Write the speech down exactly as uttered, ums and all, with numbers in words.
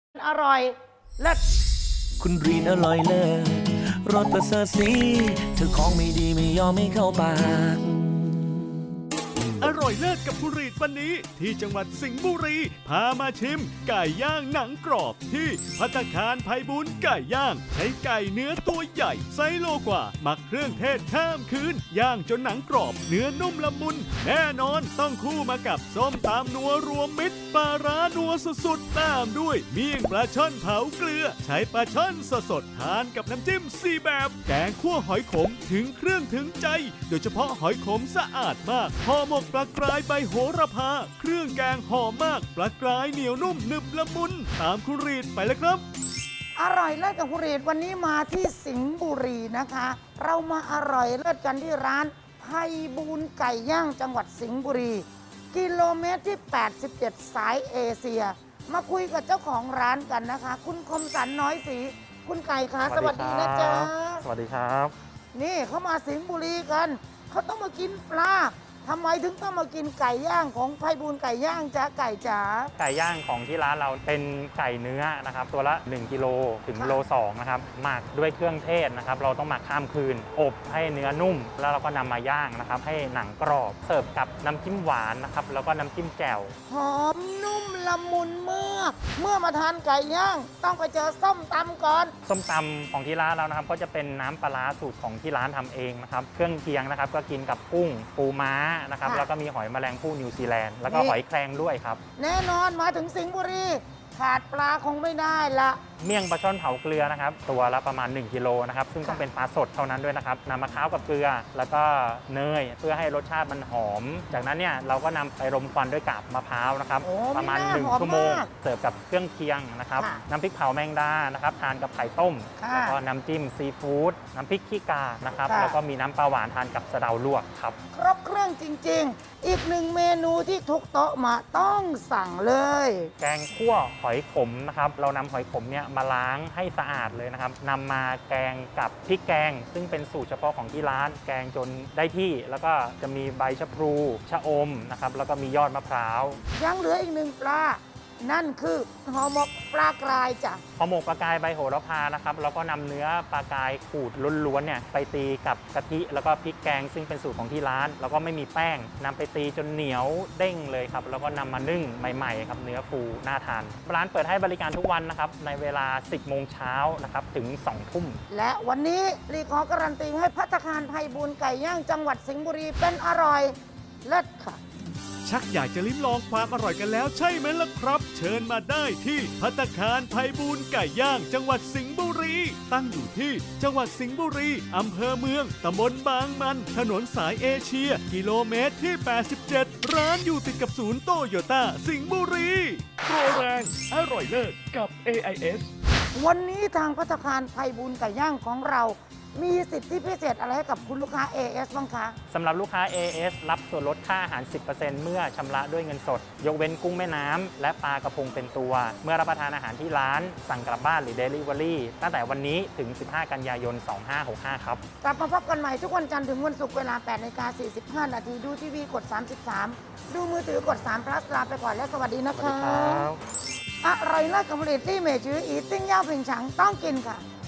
อร่อยเลิศคุณรีนอร่อยเลิศรสประเสริฐสีเธอของไม่ดีไม่ยอมไม่เข้าปากอร่อยเลิศกับคุณรีดวันนี้ที่จังหวัดสิงห์บุรีพามาชิมไก่ย่างหนังกรอบที่ภัตตาคารไพบูลย์ไก่ย่างใช้ไก่เนื้อตัวใหญ่ไซส์โลกว่าหมักเครื่องเทศข้ามคืนย่างจนหนังกรอบเนื้อนุ่มละมุนแน่นอนต้องคู่มากับส้มตำนัวรวมมิตรปลาร้านัวสุดๆตามด้วยเมี่ยงปลาช่อนเผาเกลือใช้ปลาช่อนสดๆทานกับน้ำจิ้มสี่แบบแกงคั่วหอยขมถึงเครื่องถึงใจโดยเฉพาะหอยขมสะอาดมากห่อหมกปลากรายใบโหระพาเครื่องแกงหอมมากปลากรายเหนียวนุ่มหนึบละมุนตามคุณรีดไปเลยครับอร่อยเลิศกับคุณรีดวันนี้มาที่สิงห์บุรีนะคะ เรามาอร่อยเลิศกันที่ร้านไพบูลย์ไก่ย่างจังหวัดสิงห์บุรี กิโลเมตรที่ แปดสิบเจ็ด สายเอเชีย มาคุยกับเจ้าของร้านกันนะคะ คุณคมสันน้อยศรีคุณไก่คะสวัสดีนะจ๊ะสวัสดีครับนี่เขามาสิงห์บุรีกัน เขาต้องมากินปลาทำไมถึงต้องมากินไก่ย่างของไพบูลย์ไก่ย่างจ๊ะไก่จ๋าไก่ย่างของที่ร้านเราเป็นไก่เนื้อนะครับตัวละหนึ่งกิโลถึงค่ะโลสองนะครับหมักด้วยเครื่องเทศนะครับเราต้องหมักข้ามคืน อบให้เนื้อนุ่ม แล้วเราก็นำมาย่างนะครับให้หนังกรอบเสิร์ฟกับน้ำจิ้มหวานนะครับแล้วก็น้ำจิ้มแจ่วหอมนุ่มละมุนเมื่อเมื่อมาทานไก่ย่าง ต้องไปเจอส้มตำก่อนส้มตำของที่ร้านเรานะครับก็จะเป็นน้ำปลาร้าสูตรของที่ร้านทำเองนะครับเครื่องเคียงนะครับก็กินกับกุ้งปูม้านะครับค่ะแล้วก็มีหอยแมลงภู่นิวซีแลนด์แล้วก็นี่หอยแครงด้วยครับแน่นอนมาถึงสิงห์บุรี ขาดปลาคงไม่ได้ละเมี่ยงปลาช่อนเผาเกลือนะครับตัวละประมาณหนึ่งกิโลนะครับซึ่งต้องค่ะเป็นปลาสดเท่านั้นด้วยนะครับนำมะพร้าวกับเกลือ แล้วก็เนยเพื่อให้รสชาติมันหอม จากนั้นเนี่ยเราก็นำไปรมควันด้วยกาบมะพร้าวนะครับโอ้ประมาณไม่น่าหนึ่งหอมชั่วโมงมากเสิร์ฟกับเครื่องเคียงนะครับค่ะน้ำพริกเผาแมงดานะครับทานกับไข่ต้มค่ะแล้วก็น้ำจิ้มซีฟู้ดน้ำพริกขี้กานะครับค่ะแล้วก็มีน้ำปลาหวานทานกับสะเดาลวกครับครบเครื่องจริง ๆ อีกหนึ่งเมนูที่ทุกโต๊ะมาต้องสั่งเลยแกงคั่วหอยขมนะครับเรานำหอยขมเนี่ยมาล้างให้สะอาดเลยนะครับนำมาแกงกับพริกแกง ซึ่งเป็นสูตรเฉพาะของที่ร้านแกงจนได้ที่ แล้วก็จะมีใบชะพลูชะอมนะครับแล้วก็มียอดมะพร้าวยังเหลืออีกหนึ่งปลา นั่นคือห่อหมกปลากรายจ้ะพอหมกปลากายใบโหระพานะครับแล้วก็นำเนื้อปลากายขูดล้วนๆเนี่ยไปตีกับกะทิแล้วก็พริกแกง ซึ่งเป็นสูตรของที่ร้าน แล้วก็ไม่มีแป้งนำไปตีจนเหนียวเด้งเลยครับแล้วก็นำมานึ่งใหม่ๆครับเนื้อฟูน่าทานร้านเปิดให้บริการทุกวันนะครับในเวลา สิบโมงเช้านะครับถึง สองทุ่มและวันนี้รีขอการันตีให้ภัตตาคารไพบูลย์ไก่ย่างจังหวัดสิงห์บุรีเป็นอร่อยเลิศค่ะชักอยากจะลิ้มลองความอร่อยกันแล้วใช่ไหมล่ะครับ เชิญมาได้ที่ภัตตาคารไพบูลย์ไก่ย่าง จังหวัดสิงห์บุรี ตั้งอยู่ที่จังหวัดสิงห์บุรีอำเภอเมืองตำบลบางมัน ถนนสายเอเชีย กิโลเมตรที่ แปดสิบเจ็ด ร้านอยู่ติดกับศูนย์โตโยต้าสิงห์บุรีโปรแรงอร่อยเลิศกับ เอ ไอ เอสวันนี้ทางภัตตาคารไพบูลย์ไก่ย่างของเรา มีสิทธิพิเศษอะไรให้กับคุณลูกค้า เอ เอส บ้างคะสำหรับลูกค้า เอ เอส รับส่วนลดค่าอาหาร สิบเปอร์เซ็นต์ เมื่อชำระด้วยเงินสด ยกเว้นกุ้งแม่น้ำและปลากระพงเป็นตัว เมื่อรับประทานอาหารที่ร้าน สั่งกลับบ้านหรือ Delivery ตั้งแต่วันนี้ถึง สิบห้า กันยายน สองห้าหกห้า ครับกลับมาพบกันใหม่ทุกวันจันทร์ถึงวันศุกร์เวลา แปดนาฬิกาสี่สิบห้า นาทีดูทีวีกด สามสิบสาม ดูมือถือกด สาม plus ลาไปก่อนและสวัสดีนะสวัสดีคะครับอร่อยเลิศกับผลิตที่เมจืออีติ้งย่าผิงฉังต้องกินค่ะ